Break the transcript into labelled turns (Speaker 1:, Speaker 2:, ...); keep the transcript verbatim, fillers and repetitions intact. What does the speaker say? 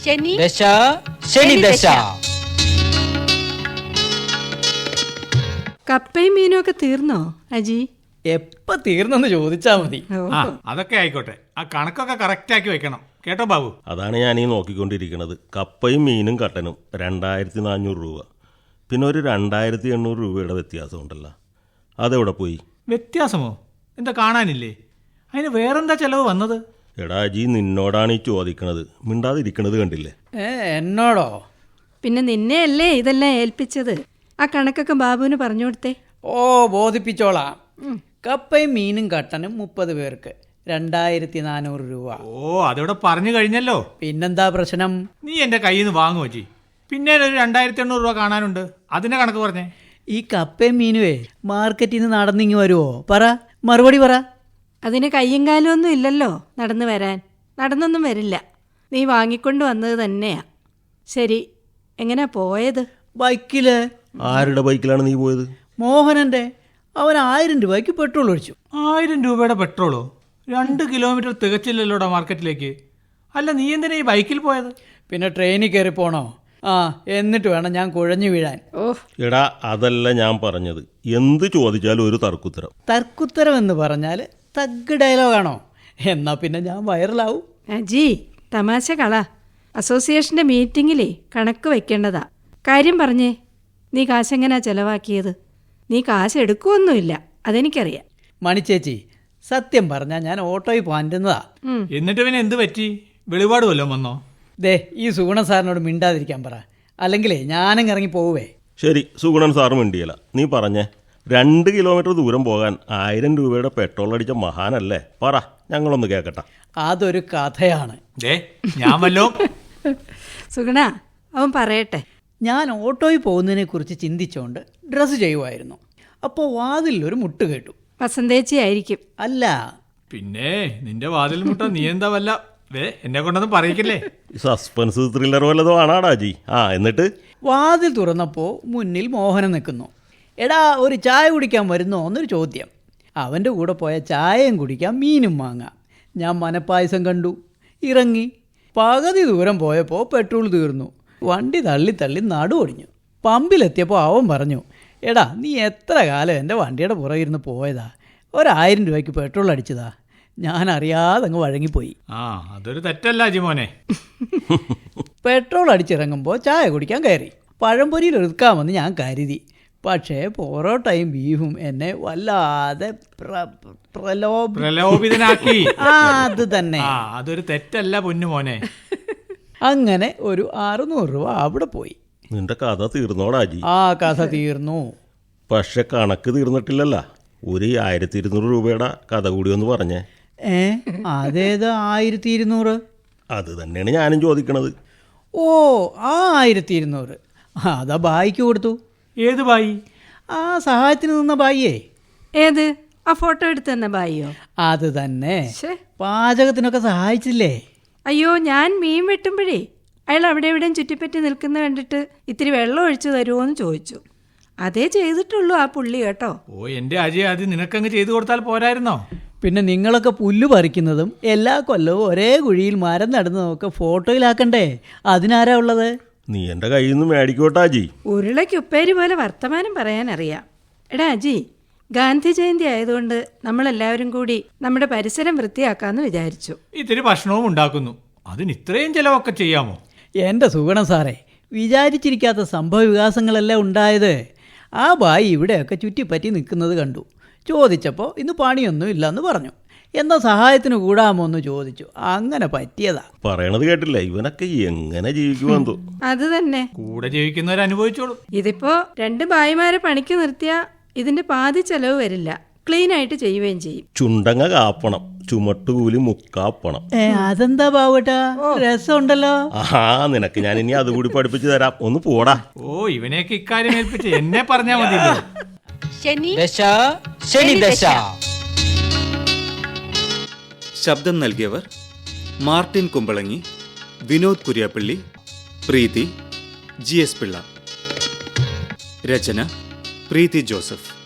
Speaker 1: ശനി
Speaker 2: ദശ ശനി ദശ.
Speaker 3: കപ്പയും മീനും ഒക്കെ തീർന്നോ അജി?
Speaker 4: എപ്പ തീർന്നെന്ന് ചോദിച്ചാ മതി.
Speaker 5: ആ അതൊക്കെ ആയിക്കോട്ടെ, ആ കണക്കൊക്കെ കറക്റ്റ് ആക്കി വെക്കണം കേട്ടോ ബാബു.
Speaker 6: അതാണ് ഞാനീ നോക്കിക്കൊണ്ടിരിക്കുന്നത്. കപ്പയും മീനും കട്ടനും രണ്ടായിരത്തി നാനൂറ് രൂപ, പിന്നെ ഒരു രണ്ടായിരത്തി എണ്ണൂറ് രൂപയുടെ വ്യത്യാസമുണ്ടല്ലോ, അതെവിടെ പോയി?
Speaker 5: വ്യത്യാസമോ? എന്താ കാണാനില്ലേ? അതിന് വേറെന്താ ചെലവ് വന്നത്?
Speaker 6: എടാ അജി, നിന്നോടാണ് ഈ ചോദിക്കണത്, മിണ്ടാതിരിക്കണത് കണ്ടില്ലേ?
Speaker 4: ഏ എന്നോടോ?
Speaker 3: പിന്നെ നിന്നെയല്ലേ ഇതെല്ലാം ഏൽപ്പിച്ചത്. ആ കണക്കൊക്കെ ബാബുവിന് പറഞ്ഞു കൊടുത്തേ.
Speaker 4: ഓ ബോധിപ്പിച്ചോളാം. കപ്പയും മീനും കട്ടനും മുപ്പത് പേർക്ക് രണ്ടായിരത്തി നാനൂറ് രൂപ.
Speaker 5: ഓ അതിവിടെ പറഞ്ഞു കഴിഞ്ഞല്ലോ.
Speaker 4: പിന്നെന്താ പ്രശ്നം?
Speaker 5: നീ എൻ്റെ കയ്യിൽ നിന്ന് വാങ്ങുമോ ജി? പിന്നെ ഒരു രണ്ടായിരത്തി എണ്ണൂറ് രൂപ കാണാനുണ്ട്, അതിൻ്റെ കണക്ക് പറഞ്ഞേ.
Speaker 4: ഈ കപ്പയും മീനുവേ മാർക്കറ്റിൽ നിന്ന് നടന്നിങ്ങി വരുമോ? പറ, മറുപടി പറ.
Speaker 3: അതിന് കയ്യും കാലും ഒന്നും ഇല്ലല്ലോ നടന്നു വരാൻ. നടന്നൊന്നും വരില്ല. നീ വാങ്ങിക്കൊണ്ട് വന്നത് തന്നെയാ. ശരി, എങ്ങനെയാ പോയത്?
Speaker 4: ബൈക്കില്.
Speaker 6: ആരുടെ ബൈക്കിലാണ് നീ പോയത്?
Speaker 4: മോഹനന്റെ. അവൻ ആയിരം രൂപയ്ക്ക് പെട്രോൾ ഒഴിച്ചു.
Speaker 5: ആയിരം രൂപയുടെ പെട്രോളോ? രണ്ട് കിലോമീറ്റർ തികച്ചില്ലല്ലോടാ മാർക്കറ്റിലേക്ക്. അല്ല, നീ എന്തിനാ ഈ ബൈക്കിൽ പോയത്?
Speaker 4: പിന്നെ ട്രെയിനിൽ കയറി പോണോ? ആ എന്നിട്ട് വേണം ഞാൻ കുഴഞ്ഞു വീഴാൻ.
Speaker 3: ഓ
Speaker 6: എടാ അതല്ല ഞാൻ പറഞ്ഞത്, എന്ത് ചോദിച്ചാലും ഒരു തർക്കുത്തരം.
Speaker 4: തർക്കുത്തരം എന്ന് പറഞ്ഞാൽ തഗ് ഡയലോഗാണോ? എന്നാ പിന്നെ ഞാൻ വൈറലാവും.
Speaker 3: അജി, തമാശ കള. അസോസിയേഷൻ്റെ മീറ്റിങ്ങിലേ കണക്ക് വെക്കേണ്ടതാ. കാര്യം പറഞ്ഞേ, നീ കാശെങ്ങനാ ചെലവാക്കിയത്? നീ കാശ് എടുക്കുമൊന്നുമില്ല, അതെനിക്കറിയാം.
Speaker 4: മണിച്ചേച്ചി, സത്യം പറഞ്ഞാൽ ഞാൻ ഓട്ടോയിൽ പോകാനിരുന്നതാ.
Speaker 5: എന്നിട്ട് പിന്നെ എന്ത് പറ്റി? വെളിപാട് വല്ലതും വന്നോ?
Speaker 4: ദേ ഈ സുഗുണ സാറിനോട് മിണ്ടാതിരിക്കാൻ പറ, അല്ലെങ്കിലേ ഞാനും ഇറങ്ങി പോവേ.
Speaker 6: ശരി, സുഗുണൻ സാറ് മിണ്ടിയല്ല. നീ പറഞ്ഞേ, രണ്ട് കിലോമീറ്റർ ദൂരം പോകാൻ ആയിരം രൂപയുടെ പെട്രോൾ അടിച്ച മഹാനല്ലേ? പറ, ഞങ്ങളൊന്ന് കേൾക്കട്ടെ.
Speaker 4: അതൊരു കഥയാണ്.
Speaker 5: ദേ ഞാൻ വല്ലോ
Speaker 3: സുഗുണ, അവൻ പറയട്ടെ.
Speaker 4: ഞാൻ ഓട്ടോയിൽ പോകുന്നതിനെ കുറിച്ച് ചിന്തിച്ചുകൊണ്ട് ഡ്രസ്സ് ചെയ്യുമായിരുന്നു. അപ്പോൾ വാതിലൊരു മുട്ട് കേട്ടു.
Speaker 3: വസന്തേച്ചി ആയിരിക്കും.
Speaker 4: അല്ല,
Speaker 5: പിന്നെ നിന്റെ വാതിൽ മുട്ട നീ എന്താ വല്ല വേ എന്നെ കൊണ്ടൊന്നും പറയിക്കില്ലേ?
Speaker 6: സസ്പെൻസ് ത്രില്ലർ വല്ലതും ആണാടാ ജി. ആ എന്നിട്ട്
Speaker 4: വാതിൽ തുറന്നപ്പോൾ മുന്നിൽ മോഹനൻ നിൽക്കുന്നു. എടാ ഒരു ചായ കുടിക്കാൻ വരുന്നോ എന്നൊരു ചോദ്യം. അവൻ്റെ കൂടെ പോയ ചായയും കുടിക്കാം, മീനും വാങ്ങാം. ഞാൻ മനപ്പായസം കണ്ടു, ഇറങ്ങി. പകുതി ദൂരം പോയപ്പോൾ പെട്രോൾ തീർന്നു. വണ്ടി തള്ളി തള്ളി നടു ഒടിഞ്ഞു. പമ്പിലെത്തിയപ്പോൾ അവൻ പറഞ്ഞു, എടാ നീ എത്ര കാലം എൻ്റെ വണ്ടിയുടെ പുറകിരുന്ന് പോയതാ, ഒരായിരം രൂപയ്ക്ക് പെട്രോൾ അടിച്ചതാ. ഞാൻ അറിയാതെ അങ്ങ് വഴങ്ങിപ്പോയി.
Speaker 5: ആ അതൊരു തെറ്റല്ല അജിമോനെ.
Speaker 4: പെട്രോൾ അടിച്ചിറങ്ങുമ്പോൾ ചായ കുടിക്കാൻ കയറി. പഴംപൊരിയിൽ ഒതുക്കാമെന്ന് ഞാൻ കരുതി. പക്ഷേ പൊറോട്ടയും ബീഫും എന്നെ വല്ലാതെ
Speaker 5: പ്രലോഭിതനാക്കി.
Speaker 4: അത് തന്നെ.
Speaker 5: ആ അതൊരു തെറ്റല്ല പൊന്നുമോനെ.
Speaker 4: അങ്ങനെ ഒരു അറുന്നൂറ് രൂപ അവിടെ പോയി.
Speaker 6: നിന്റെ കഥ തീർന്നോടാ ജി?
Speaker 4: ആ കഥ തീർന്നു.
Speaker 6: പക്ഷെ കണക്ക് തീർന്നിട്ടില്ലല്ല. ഒരു ആയിരത്തി ഇരുന്നൂറ് രൂപയുടെ കഥ കൂടി ഒന്ന് പറഞ്ഞേ.
Speaker 4: ഏ അതേത് ആയിരത്തി ഇരുന്നൂറ്?
Speaker 6: അത് തന്നെയാണ് ഞാനും ചോദിക്കണത്.
Speaker 4: ഓ ആ ആയിരത്തി ഇരുന്നൂറ് അതാ ബായിക്ക് കൊടുത്തു.
Speaker 5: ഏത് ബായി?
Speaker 4: ആ സഹായത്തിന് നിന്ന ബായിയേ.
Speaker 3: ഏത്? ആ ഫോട്ടോ എടുത്ത് തന്ന ബായിയോ?
Speaker 4: അത് തന്നെ.
Speaker 3: ശ്ശേ.
Speaker 4: പാചകത്തിനൊക്കെ സഹായിച്ചില്ലേ?
Speaker 3: അയ്യോ, ഞാൻ മീൻ വെട്ടുമ്പോഴേ അയാൾ അവിടെ എവിടെയും ചുറ്റിപ്പറ്റി നിൽക്കുന്ന കണ്ടിട്ട് ഇത്തിരി വെള്ളം ഒഴിച്ചു തരുമോ എന്ന് ചോദിച്ചു. അതേ ചെയ്തിട്ടുള്ളൂ ആ പുള്ളി കേട്ടോ.
Speaker 5: ഓ എൻ്റെ അജയ്, അത് നിനക്കങ്ങ് ചെയ്തു കൊടുത്താൽ പോരായിരുന്നോ?
Speaker 4: പിന്നെ നിങ്ങളൊക്കെ പുല്ല് പറിക്കുന്നതും എല്ലാ കൊല്ലവും ഒരേ കുഴിയിൽ മരം നടുന്നതൊക്കെ ഫോട്ടോയിലാക്കണ്ടേ? അതിനാരാ ഉള്ളത്?
Speaker 6: നീ എൻ്റെ കയ്യിൽ നിന്ന് മേടിക്കോട്ടാ ജി.
Speaker 3: ഉരുളയ്ക്ക് ഉപ്പേരി പോലെ വർത്തമാനം പറയാനറിയാം. എടാ അജി, ഗാന്ധി ജയന്തി ആയതുകൊണ്ട് നമ്മളെല്ലാവരും കൂടി നമ്മുടെ പരിസരം വൃത്തിയാക്കാമെന്ന് വിചാരിച്ചു.
Speaker 5: ഇത്തിരി ഭക്ഷണവും ഉണ്ടാക്കുന്നു, അതിന് ഇത്രയും ചിലവൊക്കെ ചെയ്യാമോ?
Speaker 4: എൻ്റെ സുഗുണം സാറേ, വിചാരിച്ചിരിക്കാത്ത സംഭവ വികാസങ്ങളല്ലേ ഉണ്ടായത്. ആ ബായി ഇവിടെയൊക്കെ ചുറ്റിപ്പറ്റി നിൽക്കുന്നത് കണ്ടു. ചോദിച്ചപ്പോൾ ഇന്ന് പണിയൊന്നും ഇല്ലെന്ന് പറഞ്ഞു. എന്താ സഹായത്തിന് കൂടാമോ എന്ന് ചോദിച്ചു. അങ്ങനെ പറ്റിയതാ.
Speaker 6: പറയണത് കേട്ടില്ല, ഇവനൊക്കെ എങ്ങനെ ജീവിക്കുമെന്തോ.
Speaker 3: അത് തന്നെ,
Speaker 5: കൂടെ ജീവിക്കുന്നവരനുഭവിച്ചോളൂ.
Speaker 3: ഇതിപ്പോ രണ്ട് ഭായിമാരെ പണിക്ക് നിർത്തിയാ ഇതിന്റെ പാതി ചെലവ് വരില്ല, ക്ലീൻ ആയിട്ട് ചെയ്യുകയും ചെയ്യും.
Speaker 6: ചുണ്ടങ്ങ കാപ്പണം, ചുമട്ടുകൂലി മുക്കാപ്പണം.
Speaker 4: ഏ അതെന്താ ബാവട്ടാ, രസമുണ്ടല്ലോ.
Speaker 6: ആഹാ, നിനക്ക് ഞാൻ ഇനി അതുകൂടി പഠിപ്പിച്ചു തരാം, ഒന്ന് പോടാ.
Speaker 5: ഓ ഇവനെയൊക്കെ ഇക്കാര്യം ഏൽപ്പിച്ച് എന്നെ പറഞ്ഞാൽ മതിയല്ലോ.
Speaker 1: ശനി
Speaker 2: ദശ ശനി ദശ.
Speaker 7: ശബ്ദം നൽകിയവർ Martin Kumbalangi, Vinod Kuriappally, Preethi, G S Pillai. രചന പ്രീതി ജോസഫ്.